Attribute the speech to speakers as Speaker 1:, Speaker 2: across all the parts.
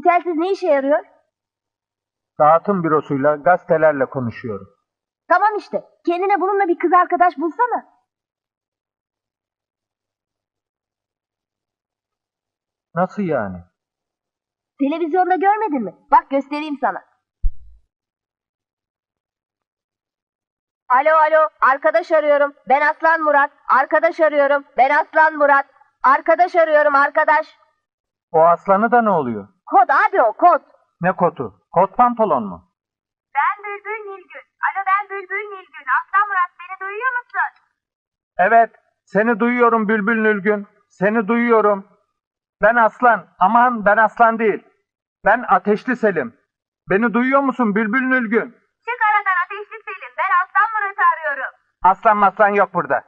Speaker 1: telsiz ne işe yarıyor?
Speaker 2: Dağıtım bürosuyla, gazetelerle konuşuyorum.
Speaker 1: Tamam işte. Kendine bununla bir kız arkadaş bulsana.
Speaker 2: Nasıl yani?
Speaker 1: Televizyonda görmedin mi? Bak göstereyim sana. Alo, arkadaş arıyorum. Ben Aslan Murat. Arkadaş arıyorum. Ben Aslan Murat. Arkadaş arıyorum, arkadaş.
Speaker 2: O aslanı da ne oluyor?
Speaker 1: Kod abi o, kod.
Speaker 2: Ne kotu? Kot pantolon mu?
Speaker 1: Ben Bülbül Nilgün. Alo, ben Bülbül Nilgün. Aslan Murat, beni duyuyor musun?
Speaker 2: Evet, seni duyuyorum Bülbül Nilgün. Seni duyuyorum. Ben Aslan. Aman ben Aslan değil. Ben Ateşli Selim. Beni duyuyor musun Bülbül Nilgün?
Speaker 1: Çık aradan Ateşli Selim. Ben Aslan Murat'ı arıyorum.
Speaker 2: Aslan maslan yok burada.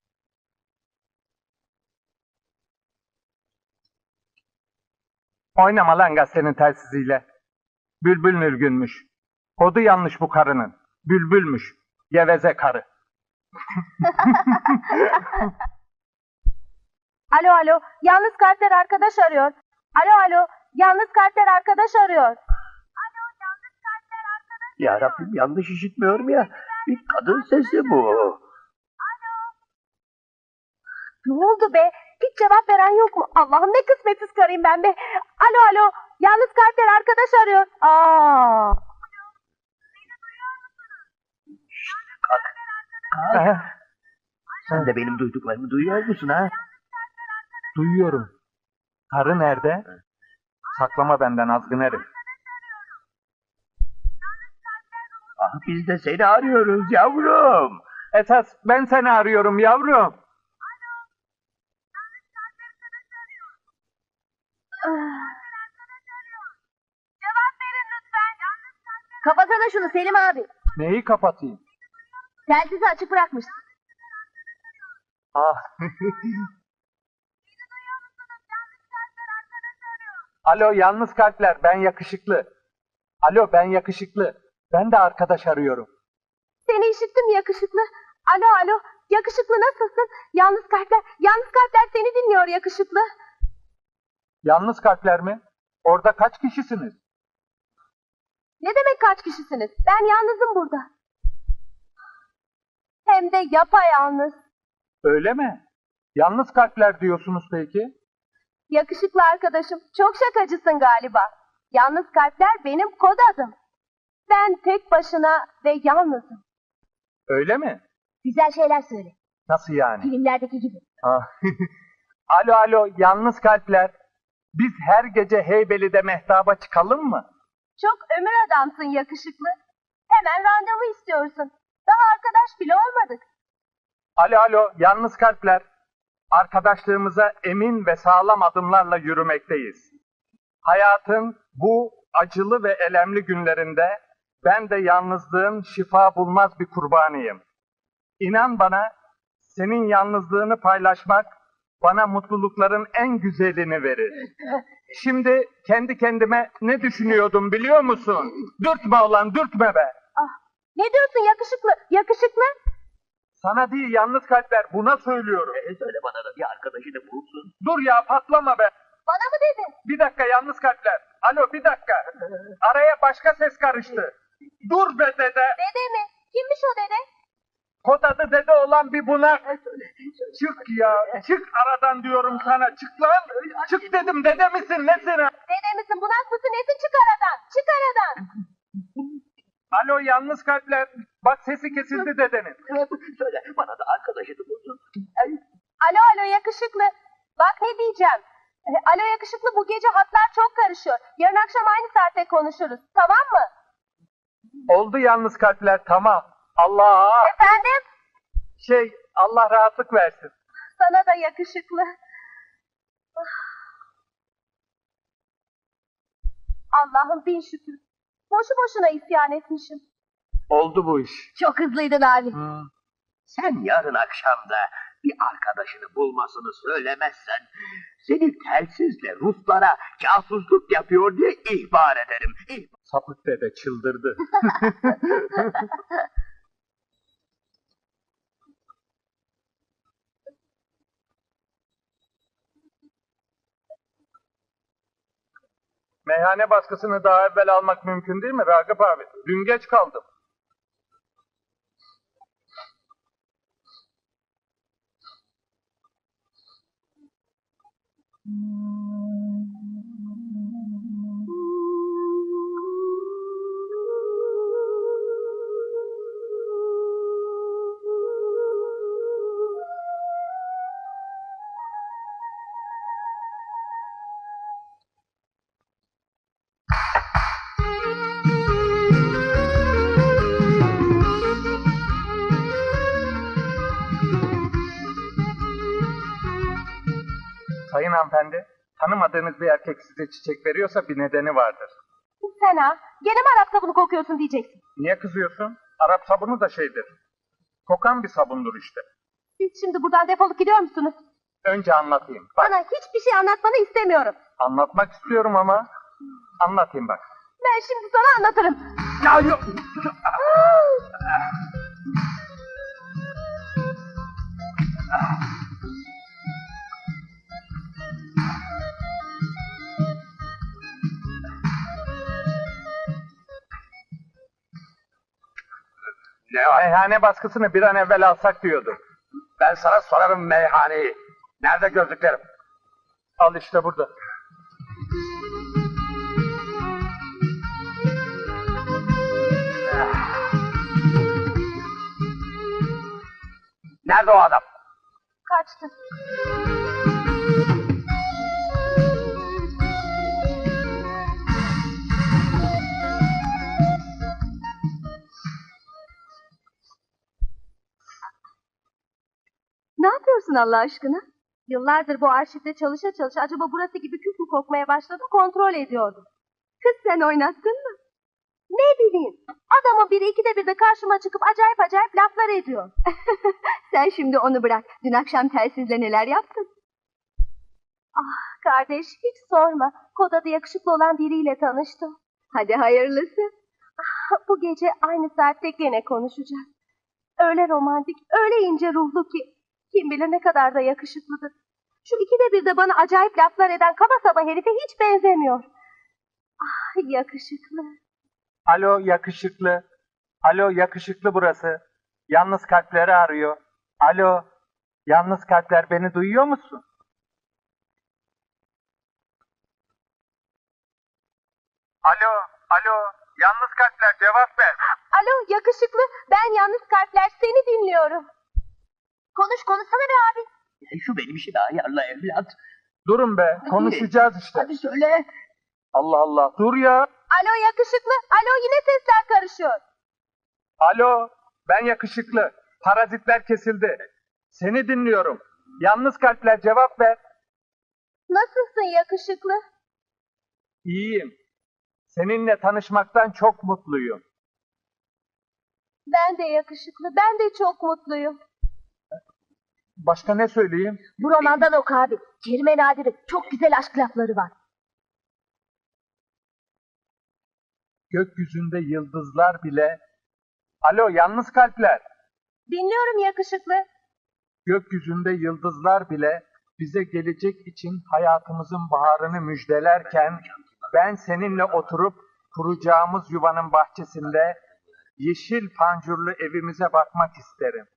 Speaker 2: Oynama lan gazetenin telsiziyle. Bülbül Nilgünmüş. Kodu yanlış bu karının. Bülbülmüş. Geveze karı.
Speaker 1: Alo, yalnız kalpler arkadaş arıyor. Alo, yalnız kalpler arkadaş arıyor.
Speaker 3: Ya Rabbim, yanlış işitmiyorum ya. Bir kadın sesi bu.
Speaker 1: Ne oldu be? Hiç cevap veren yok mu? Allah'ım ne kısmetsiz karıyım ben be. Alo, yalnız kalpler arkadaş arıyor.
Speaker 3: Kalk. Sen de benim duyduklarımı duyuyor musun ha?
Speaker 2: Duyuyorum. Karı nerede? Saklama benden azgın herif.
Speaker 3: Ah, biz de seni arıyoruz yavrum.
Speaker 2: Esas ben seni arıyorum yavrum.
Speaker 1: Cevap verin lütfen. Kapatsana şunu Selim abi.
Speaker 2: Neyi kapatayım?
Speaker 1: Telsizi açık bırakmışsın.
Speaker 2: Ah. Alo yalnız kalpler, ben yakışıklı. Alo ben yakışıklı. Ben de arkadaş arıyorum.
Speaker 1: Seni işittim yakışıklı. Alo, yakışıklı nasılsın? Yalnız kalpler seni dinliyor yakışıklı.
Speaker 2: Yalnız kalpler mi? Orada kaç kişisiniz?
Speaker 1: Ne demek kaç kişisiniz? Ben yalnızım burada. Hem de yapayalnız.
Speaker 2: Öyle mi? Yalnız kalpler diyorsunuz peki?
Speaker 1: Yakışıklı arkadaşım, çok şakacısın galiba. Yalnız kalpler benim kod adım. Ben tek başına ve yalnızım.
Speaker 2: Öyle mi?
Speaker 1: Güzel şeyler söyle.
Speaker 2: Nasıl yani?
Speaker 1: Filmlerdeki gibi.
Speaker 2: Ah. Alo yalnız kalpler. Biz her gece Heybeli'de mehtaba çıkalım mı?
Speaker 1: Çok ömür adamsın yakışıklı. Hemen randevu istiyorsun. Daha arkadaş bile olmadık.
Speaker 2: Alo yalnız kalpler. Arkadaşlığımıza emin ve sağlam adımlarla yürümekteyiz. Hayatın bu acılı ve elemli günlerinde ben de yalnızlığın şifa bulmaz bir kurbanıyım. İnan bana, senin yalnızlığını paylaşmak bana mutlulukların en güzelini verir. Şimdi kendi kendime ne düşünüyordum biliyor musun? Dürtme ulan, dürtme be!
Speaker 1: Ne diyorsun yakışıklı? Yakışıklı?
Speaker 2: Sana değil yalnız kalpler, buna söylüyorum.
Speaker 3: Söyle bana da bir arkadaşını bulsun.
Speaker 2: Dur ya, patlama be!
Speaker 1: Bana mı dedin?
Speaker 2: Bir dakika yalnız kalpler. Alo bir dakika. Araya başka ses karıştı. Dur be dede.
Speaker 1: Dede mi? Kimmiş o dede?
Speaker 2: Kod adı dede olan bir bunak. Çık ya. Çık aradan diyorum sana. Çık lan. Çık dedim, dede misin nesin ha?
Speaker 1: Dede misin, bunak mısın, nesin, çık aradan. Çık aradan.
Speaker 2: Alo yalnız kalpler. Bak sesi kesildi dedenin.
Speaker 3: Söyle bana da arkadaşını bulsun.
Speaker 1: Alo yakışıklı. Bak ne diyeceğim. Alo yakışıklı, bu gece hatlar çok karışıyor. Yarın akşam aynı saatte konuşuruz. Tamam mı?
Speaker 2: Oldu yalnız kalpler, tamam. Allah.
Speaker 1: Efendim?
Speaker 2: Allah rahatlık versin.
Speaker 1: Sana da yakışıklı. Allah'ım bin şükür. Boşu boşuna isyan etmişim.
Speaker 2: Oldu bu iş.
Speaker 1: Çok hızlıydın abi.
Speaker 3: Sen yarın akşamda bir arkadaşını bulmasını söylemezsen seni telsizle Ruslara casusluk yapıyor diye ihbar ederim.
Speaker 2: Sapık dede çıldırdı. Meyhane baskısını daha evvel almak mümkün değil mi Ragıp abi? Dün geç kaldım. Sayın hanımefendi, tanımadığınız bir erkek size çiçek veriyorsa bir nedeni vardır.
Speaker 1: Sen ha? Gene mi Arap sabunu kokuyorsun diyeceksin.
Speaker 2: Niye kızıyorsun? Arap sabunu da şeydir. Kokan bir sabundur işte.
Speaker 1: Siz şimdi buradan defolup gidiyor musunuz?
Speaker 2: Önce anlatayım. Bak,
Speaker 1: Bana hiçbir şey anlatmanı istemiyorum.
Speaker 2: anlatmak istiyorum ama anlatayım bak.
Speaker 1: Ben şimdi sana anlatırım.
Speaker 2: Ya yok.
Speaker 3: Ne o?
Speaker 2: Meyhane baskısını bir an evvel alsak diyordu.
Speaker 3: Ben sana sorarım meyhaneyi. Nerede gözlüklerim?
Speaker 2: Al işte burada.
Speaker 3: Nerede o adam?
Speaker 1: Kaçtı. Ne yapıyorsun Allah aşkına? Yıllardır bu arşivde çalışa çalışa acaba burası gibi kük mü kokmaya başladım kontrol ediyordum. Kız sen oynattın mı? Ne bileyim. Adamın biri ikide bir de karşıma çıkıp acayip acayip laflar ediyor. Sen şimdi onu bırak. Dün akşam telsizle neler yaptın? Ah kardeş hiç sorma. Koda'da yakışıklı olan biriyle tanıştım. Hadi hayırlısı. Ah, bu gece aynı saatte gene konuşacağız. Öyle romantik, öyle ince ruhlu ki. Kim bilir ne kadar da yakışıklıdır. Şu ikide bir de bana acayip laflar eden kaba saba herife hiç benzemiyor. Ah yakışıklı.
Speaker 2: Alo yakışıklı. Alo yakışıklı burası. Yalnız kalpleri arıyor. Alo. Yalnız kalpler beni duyuyor musun? Alo. Alo. Yalnız kalpler cevap ver.
Speaker 1: Alo yakışıklı, ben yalnız kalpler seni dinliyorum. Konuşsana be abi.
Speaker 3: Şu benim işimi ayarla evlat.
Speaker 2: Durun be. Konuşacağız işte.
Speaker 3: Hadi söyle.
Speaker 2: Allah Allah. Dur ya.
Speaker 1: Alo yakışıklı, alo yine sesler karışıyor.
Speaker 2: Alo. Ben yakışıklı. Parazitler kesildi. Seni dinliyorum. Yalnız kalpler cevap ver.
Speaker 1: Nasılsın yakışıklı?
Speaker 2: İyiyim. Seninle tanışmaktan çok mutluyum.
Speaker 1: Ben de yakışıklı, ben de çok mutluyum.
Speaker 2: Başka ne söyleyeyim?
Speaker 1: Bu romandan oku abi. Kerime Nadir'in çok güzel aşk lafları var.
Speaker 2: Gökyüzünde yıldızlar bile... Alo yalnız kalpler.
Speaker 1: Dinliyorum yakışıklı.
Speaker 2: Gökyüzünde yıldızlar bile bize gelecek için hayatımızın baharını müjdelerken ben seninle oturup kuracağımız yuvanın bahçesinde yeşil pancurlu evimize bakmak isterim.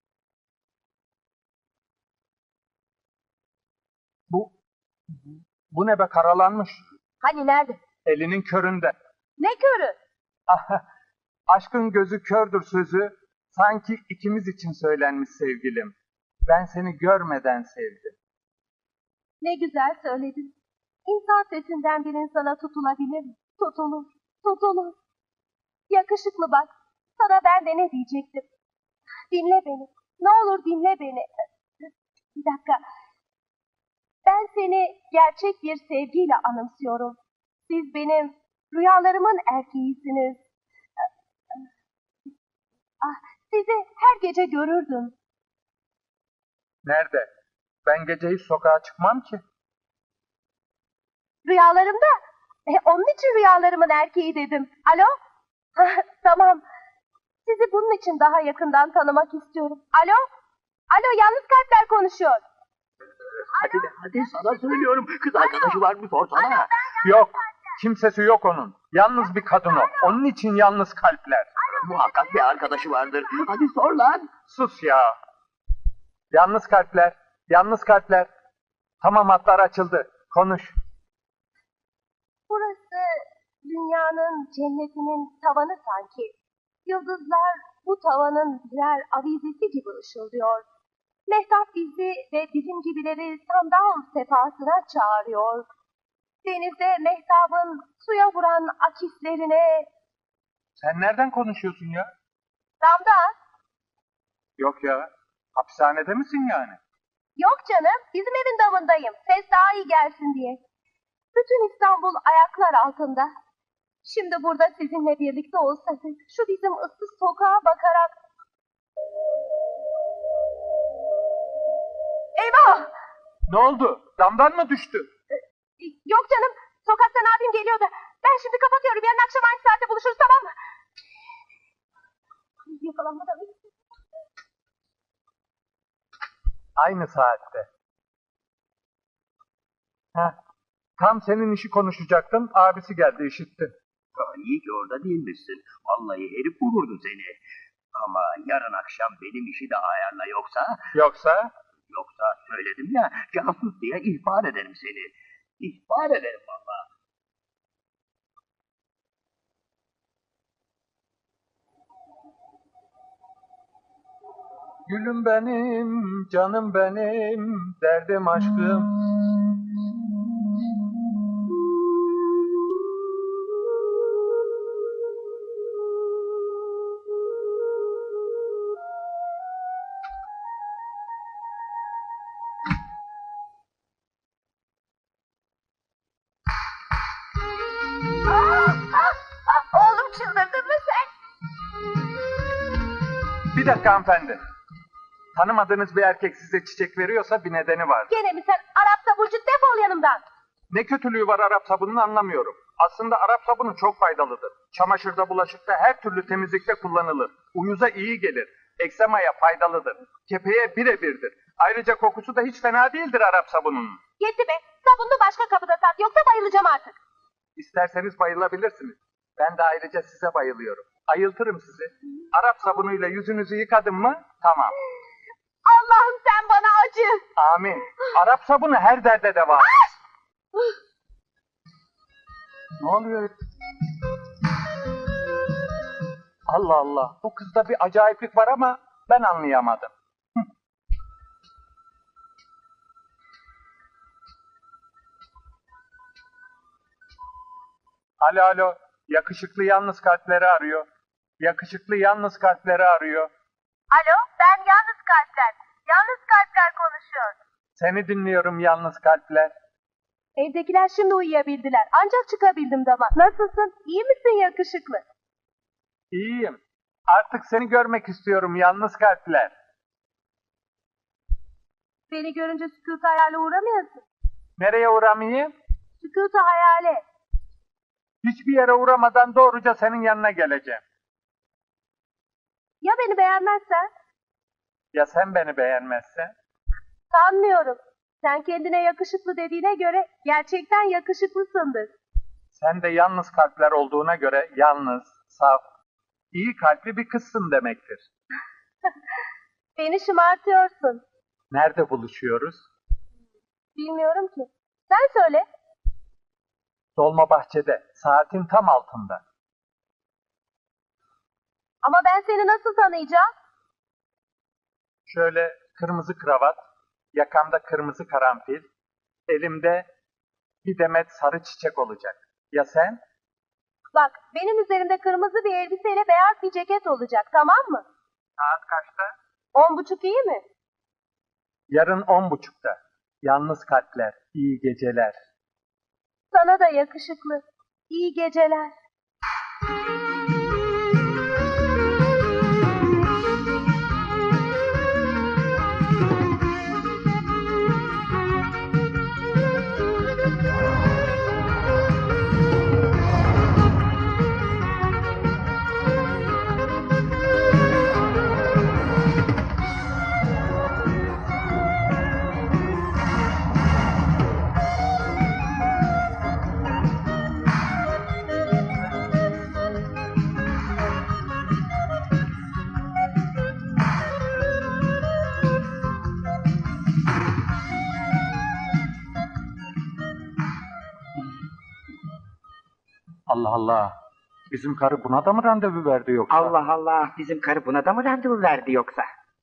Speaker 2: Bu ne be karalanmış.
Speaker 1: Hani nerede?
Speaker 2: Elinin köründe.
Speaker 1: Ne körü?
Speaker 2: Aşkın gözü kördür sözü sanki ikimiz için söylenmiş sevgilim. Ben seni görmeden sevdim.
Speaker 1: Ne güzel söyledin. İnsan sesinden bir insana tutulabilir mi? Tutulur. Yakışıklı bak, sana ben de ne diyecektim. Dinle beni, ne olur dinle beni. Bir dakika. Ben seni gerçek bir sevgiyle anımsıyorum. Siz benim rüyalarımın erkeğisiniz. Sizi her gece görürdüm.
Speaker 2: Nerede? Ben gece hiç sokağa çıkmam ki.
Speaker 1: Rüyalarımda. Onun için rüyalarımın erkeği dedim. Alo? Tamam. Sizi bunun için daha yakından tanımak istiyorum. Alo? Alo, yalnız kalpler konuşuyor.
Speaker 3: Hadi sana söylüyorum. Kız arkadaşı var mı sorsana.
Speaker 2: Yok. Kimsesi yok onun. Yalnız bir kadın o. Onun için yalnız kalpler.
Speaker 3: Muhakkak bir arkadaşı vardır. Hadi sor lan.
Speaker 2: Sus ya. Yalnız kalpler. Yalnız kalpler. Tamam, hatlar açıldı. Konuş.
Speaker 1: Burası dünyanın cennetinin tavanı sanki. Yıldızlar bu tavanın birer avizesi gibi ışıldıyor. Mehtap bizi ve bizim gibileri sandal sefasına çağırıyor. Denizde mehtabın suya vuran akislerine...
Speaker 2: Sen nereden konuşuyorsun ya?
Speaker 1: Damda,
Speaker 2: Yok ya. Hapishanede misin yani?
Speaker 1: yok canım, bizim evin damındayım. Ses daha iyi gelsin diye. Bütün İstanbul ayaklar altında. Şimdi burada sizinle birlikte olsak, şu bizim ıssız sokağa bakarak... Eyvah!
Speaker 2: Ne oldu? Damdan mı düştü?
Speaker 1: Yok canım, sokaktan abim geliyordu. Ben şimdi kapatıyorum, yarın akşam aynı saatte buluşuruz, tamam mı? Yakalanmadan mı?
Speaker 2: Aynı saatte. Heh. Tam senin işi konuşacaktım. Abisi geldi, işittin.
Speaker 3: İyi ki orada değilmişsin. Vallahi herif vururdu seni. Ama yarın akşam benim işi de ayarla yoksa...
Speaker 2: Yoksa?
Speaker 3: Yoksa söyledim ya, casus diye ihbar ederim seni. İhbar ederim vallahi.
Speaker 2: Gülüm benim, canım benim, derdim aşkım.
Speaker 1: Oğlum çıldırdın mı sen?
Speaker 2: Bir dakika hanımefendi. Tanımadığınız bir erkek size çiçek veriyorsa bir nedeni var.
Speaker 1: Gene mi sen Arap taburcu, defol yanımdan.
Speaker 2: Ne kötülüğü var Arap sabununu anlamıyorum. Aslında Arap sabunu çok faydalıdır. Çamaşırda, bulaşıkta, her türlü temizlikte kullanılır. Uyuza iyi gelir. Eksemaya faydalıdır. Kepeğe birebirdir. Ayrıca kokusu da hiç fena değildir Arap sabununun.
Speaker 1: Yetti be, sabunlu başka kapıda sat, yoksa bayılacağım artık.
Speaker 2: İsterseniz bayılabilirsiniz. Ben de ayrıca size bayılıyorum. Ayıltırım sizi. Arap sabunuyla yüzünüzü yıkadım mı? Tamam.
Speaker 1: Allah'ım sen bana acı.
Speaker 2: Amin. Arap sabunu her derde deva. Ne oluyor? Allah Allah. Bu kızda bir acayiplik var ama ben anlayamadım. Alo alo. Yakışıklı yalnız kalpleri arıyor. Yakışıklı yalnız kalpleri arıyor.
Speaker 1: Alo, ben Yalnız Kalpler. Yalnız Kalpler konuşuyor.
Speaker 2: Seni dinliyorum yalnız kalpler.
Speaker 1: Evdekiler şimdi uyuyabildiler. Ancak çıkabildim dama. Nasılsın? İyi misin yakışıklı?
Speaker 2: İyiyim. Artık seni görmek istiyorum yalnız kalpler.
Speaker 1: Beni görünce sükût hayale uğramıyorsun.
Speaker 2: Nereye uğramayayım?
Speaker 1: Sükût hayale.
Speaker 2: Hiçbir yere uğramadan doğruca senin yanına geleceğim.
Speaker 1: Ya beni beğenmezsen?
Speaker 2: Ya sen beni beğenmezsen?
Speaker 1: Sanmıyorum. Sen kendine yakışıklı dediğine göre gerçekten yakışıklısındır.
Speaker 2: Sen de yalnız kalpler olduğuna göre yalnız, saf, iyi kalpli bir kızsın demektir.
Speaker 1: Beni şımartıyorsun.
Speaker 2: Nerede buluşuyoruz?
Speaker 1: Bilmiyorum ki. Sen söyle.
Speaker 2: Dolmabahçe'de, saatin tam altında.
Speaker 1: Ama ben seni nasıl tanıyacağım?
Speaker 2: Şöyle kırmızı kravat, yakamda kırmızı karanfil, elimde bir demet sarı çiçek olacak. Ya sen?
Speaker 1: Bak, benim üzerimde kırmızı bir elbiseyle beyaz bir ceket olacak, tamam mı?
Speaker 2: Saat kaçta?
Speaker 1: 10.30 iyi mi?
Speaker 2: Yarın 10.30'da. Yalnız kalpler, iyi geceler.
Speaker 1: Sana da yakışıklı. İyi geceler.
Speaker 2: Allah Allah. Bizim karı buna da mı randevu verdi yoksa?
Speaker 4: Allah Allah, bizim karı buna da mı randevu verdi yoksa?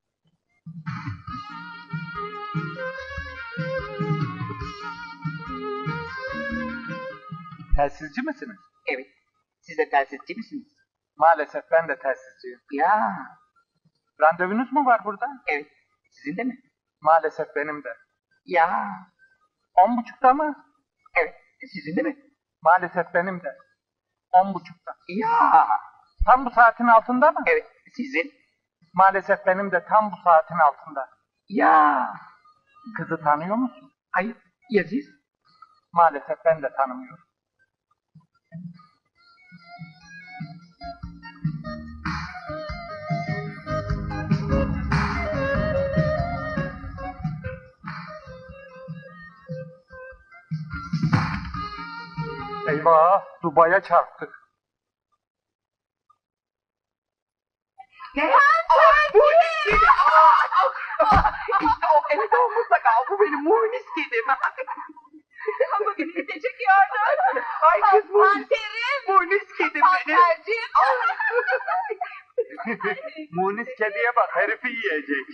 Speaker 2: Telsizci misiniz?
Speaker 4: Evet, siz de telsizci misiniz?
Speaker 2: Maalesef ben de telsizciyim.
Speaker 4: Ya,
Speaker 2: Randevunuz mu var burada?
Speaker 4: evet, sizin de mi?
Speaker 2: Maalesef benim de.
Speaker 4: Ya,
Speaker 2: 10.30'da mı?
Speaker 4: evet, sizin de mi?
Speaker 2: Maalesef benim de. 10.30'da.
Speaker 4: Ya,
Speaker 2: Tam bu saatin altında mı?
Speaker 4: evet, sizin?
Speaker 2: Maalesef benim de tam bu saatin altında.
Speaker 4: Ya,
Speaker 2: Kızı tanıyor musun?
Speaker 4: hayır, ya siz?
Speaker 2: Maalesef ben de tanımıyorum. Eyvah, Dubai'ye çarptık.
Speaker 4: Ne? Bu ne? İşte o, evet o mutlaka, bu benim munis kedim.
Speaker 1: Ama beni çekiyordu.
Speaker 4: Ay kız munis.
Speaker 1: Panterim.
Speaker 4: Munis kedim benim.
Speaker 1: Panterciğim.
Speaker 2: Munis kediye bak, herifi yiyecek.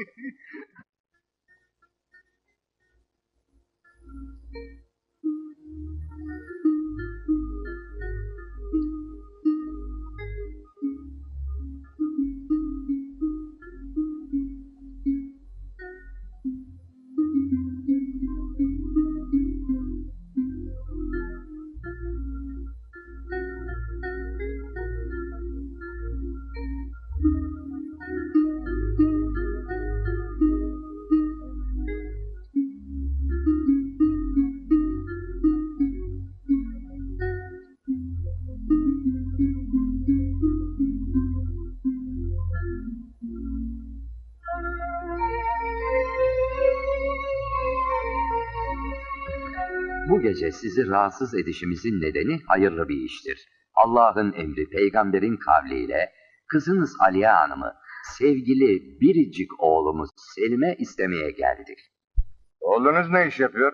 Speaker 5: Bu gece sizi rahatsız edişimizin nedeni hayırlı bir iştir. Allah'ın emri peygamberin kavliyle kızınız Aliye Hanım'ı sevgili biricik oğlumuz Selim'e istemeye geldik.
Speaker 6: Oğlunuz ne iş yapıyor?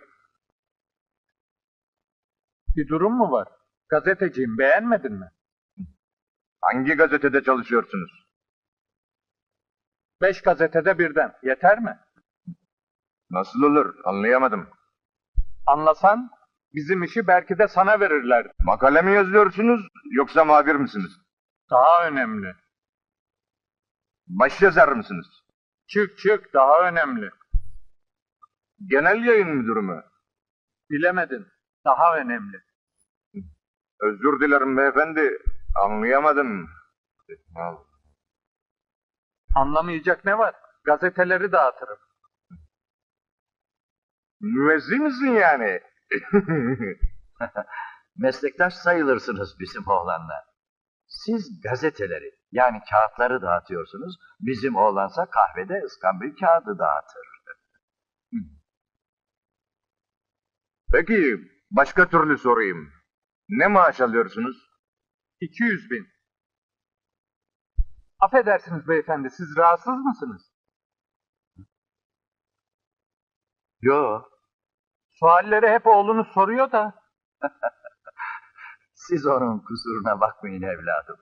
Speaker 2: Bir durum mu var? Gazeteciyim, beğenmedin mi?
Speaker 6: Hangi gazetede çalışıyorsunuz?
Speaker 2: 5 gazetede birden, yeter mi?
Speaker 6: Nasıl olur? Anlayamadım.
Speaker 2: Anlasan, bizim işi belki de sana verirlerdi.
Speaker 6: Makale mi yazıyorsunuz yoksa muhabir misiniz?
Speaker 2: Daha önemli.
Speaker 6: Başyazar mısınız?
Speaker 2: Çık, daha önemli.
Speaker 6: Genel yayın müdürü mü?
Speaker 2: Bilemedin, daha önemli.
Speaker 6: Özür dilerim beyefendi. Anlayamadım.
Speaker 2: Anlamayacak ne var? Gazeteleri dağıtırım.
Speaker 6: Müezzin misin yani?
Speaker 7: Meslektaş sayılırsınız bizim oğlanla. Siz gazeteleri yani kağıtları dağıtıyorsunuz. Bizim oğlansa kahvede ıskambil kağıdı dağıtır.
Speaker 6: Peki başka türlü sorayım. Ne maaş alıyorsunuz?
Speaker 2: 200.000. Affedersiniz beyefendi, siz rahatsız mısınız?
Speaker 7: Yo,
Speaker 2: Sualleri hep oğlunuz soruyor da.
Speaker 7: siz onun kusuruna bakmayın evladım.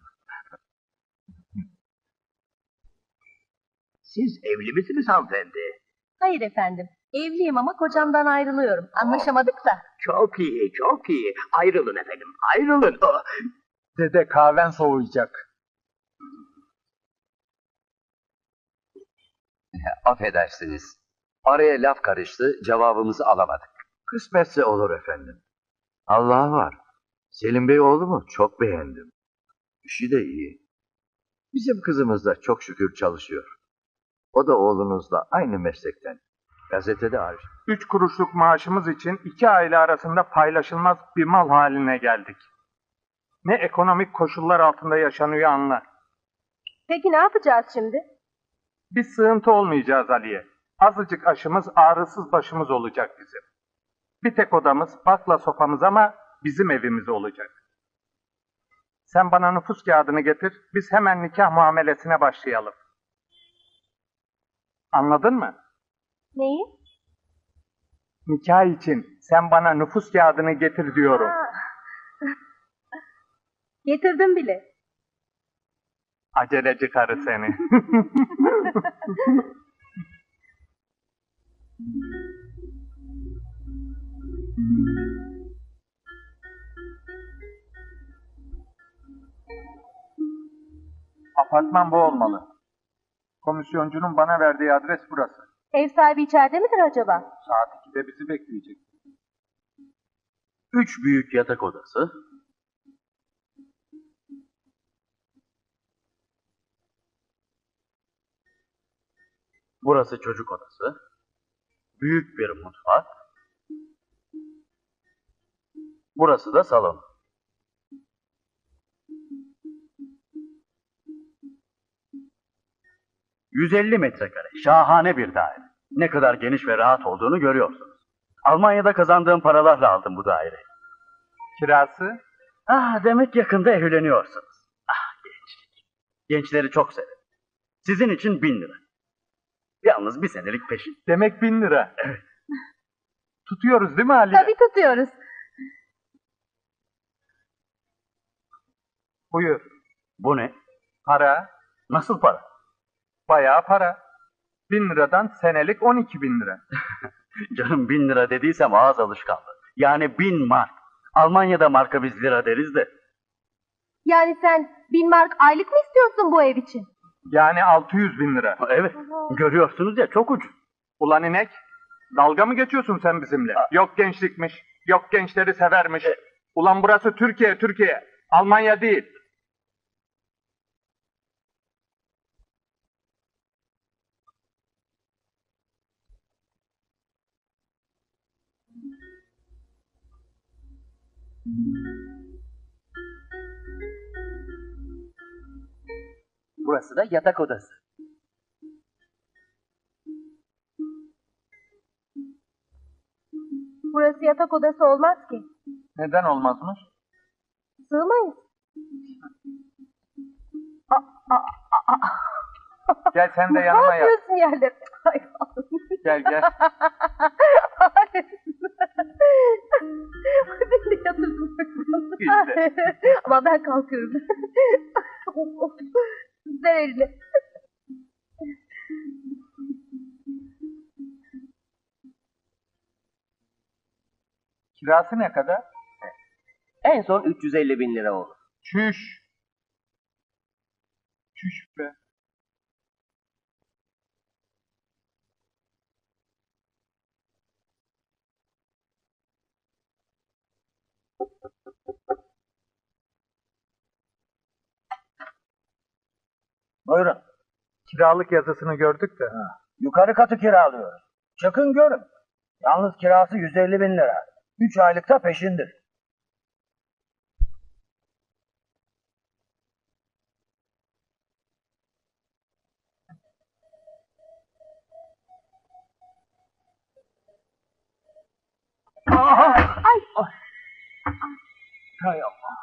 Speaker 3: Siz evli misiniz hanımefendi?
Speaker 1: Hayır efendim. Evliyim ama kocamdan ayrılıyorum. Anlaşamadık da.
Speaker 3: Çok iyi, çok iyi. Ayrılın efendim, ayrılın. Oh,
Speaker 2: Dede kahven soğuyacak.
Speaker 5: Affedersiniz. Araya laf karıştı, cevabımızı alamadık.
Speaker 7: Kısmetse olur efendim. Allah var. Selim Bey oğlumu çok beğendim. İşi de iyi. Bizim kızımız da çok şükür çalışıyor. O da oğlunuzla aynı meslekten. Gazetede hariç.
Speaker 2: 3 kuruşluk maaşımız için 2 aile arasında paylaşılmaz bir mal haline geldik. Ne ekonomik koşullar altında yaşanıyor anla.
Speaker 1: Peki ne yapacağız şimdi?
Speaker 2: Biz sığıntı olmayacağız Aliye. Azıcık aşımız, ağrısız başımız olacak bizim. Bir tek odamız, bakla sofamız ama bizim evimiz olacak. Sen bana nüfus kağıdını getir, biz hemen nikah muamelesine başlayalım. Anladın mı?
Speaker 1: Neyi?
Speaker 2: Nikah için sen bana nüfus kağıdını getir diyorum.
Speaker 1: Getirdim bile.
Speaker 2: Aceleci karı seni. Apartman bu olmalı. Komisyoncunun bana verdiği adres burası.
Speaker 1: Ev sahibi içeride midir acaba?
Speaker 2: Saat 2'de bizi bekleyecek.
Speaker 7: 3 büyük yatak odası. Burası çocuk odası. Büyük bir mutfak. Burası da salon. ...150 metrekare. Şahane bir daire. Ne kadar geniş ve rahat olduğunu görüyorsunuz. Almanya'da kazandığım paralarla aldım bu daireyi.
Speaker 2: Kirası?
Speaker 7: Demek yakında evleniyorsunuz. Gençlik. Gençleri çok severim. Sizin için 1000 lira. Yalnız bir senelik peşin.
Speaker 2: Demek 1000 lira. Evet. Tutuyoruz değil mi Aliye?
Speaker 1: Tabii tutuyoruz.
Speaker 2: Buyur.
Speaker 7: Bu ne?
Speaker 2: Para.
Speaker 7: Nasıl para?
Speaker 2: Bayağı para. 1000 liradan senelik 12.000 lira.
Speaker 7: Canım 1000 lira dediysem ağız alışkanlığı. Yani 1000 mark. Almanya'da marka biz lira deriz de.
Speaker 1: Yani sen 1000 mark aylık mı istiyorsun bu ev için?
Speaker 2: Yani 600.000 lira.
Speaker 7: Evet. Görüyorsunuz ya, çok ucuz.
Speaker 2: Ulan inek. Dalga mı geçiyorsun sen bizimle? Yok gençlikmiş. Yok gençleri severmiş. Ulan burası Türkiye, Türkiye. Almanya değil.
Speaker 4: Burası da yatak odası.
Speaker 1: Burası yatak odası olmaz ki.
Speaker 2: Neden olmazmış?
Speaker 1: Sığmayız.
Speaker 2: Gel sen de
Speaker 1: Ne
Speaker 2: yanıma yat.
Speaker 1: yapıyorsun yerde? Ay,
Speaker 2: Gel gel.
Speaker 1: Hayır. Beni de yatırsın.
Speaker 2: İşte.
Speaker 1: Ama ben kalkıyorum. Ver elini.
Speaker 2: Kirası ne kadar?
Speaker 4: En son 350.000 lira olur.
Speaker 2: Çüş. Çüş be.
Speaker 3: Buyurun.
Speaker 2: Kiralık yazısını gördük de.
Speaker 3: Yukarı katı kiralıyoruz. Çıkın görün. Yalnız kirası 150.000 lira. 3 aylıkta peşindir.
Speaker 2: Hay Allah.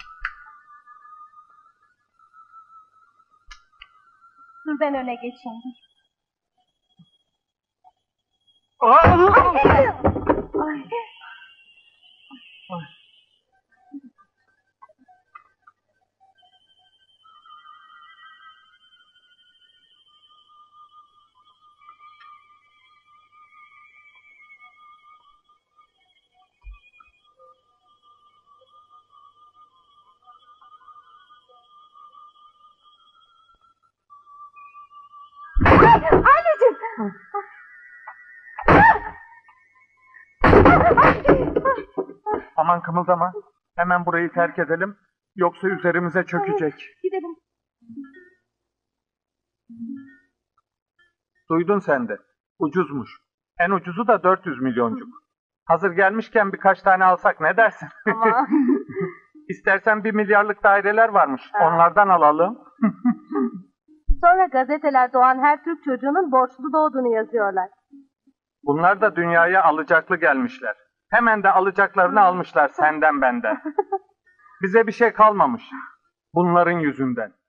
Speaker 1: Dur ben öne geçeyim. Ay. Anneciğim.
Speaker 2: Aman kımıldama. Hemen burayı terk edelim. Yoksa üzerimize çökecek.
Speaker 1: Gidelim.
Speaker 2: Duydun sen de. Ucuzmuş. En ucuzu da 400 milyoncuk. Hazır gelmişken birkaç tane alsak ne dersin?
Speaker 1: Ama
Speaker 2: İstersen 1 milyarlık daireler varmış. Onlardan alalım.
Speaker 1: sonra gazeteler doğan her Türk çocuğunun borçlu doğduğunu yazıyorlar.
Speaker 2: Bunlar da dünyaya alacaklı gelmişler. Hemen de alacaklarını almışlar senden benden. Bize bir şey kalmamış. Bunların yüzünden.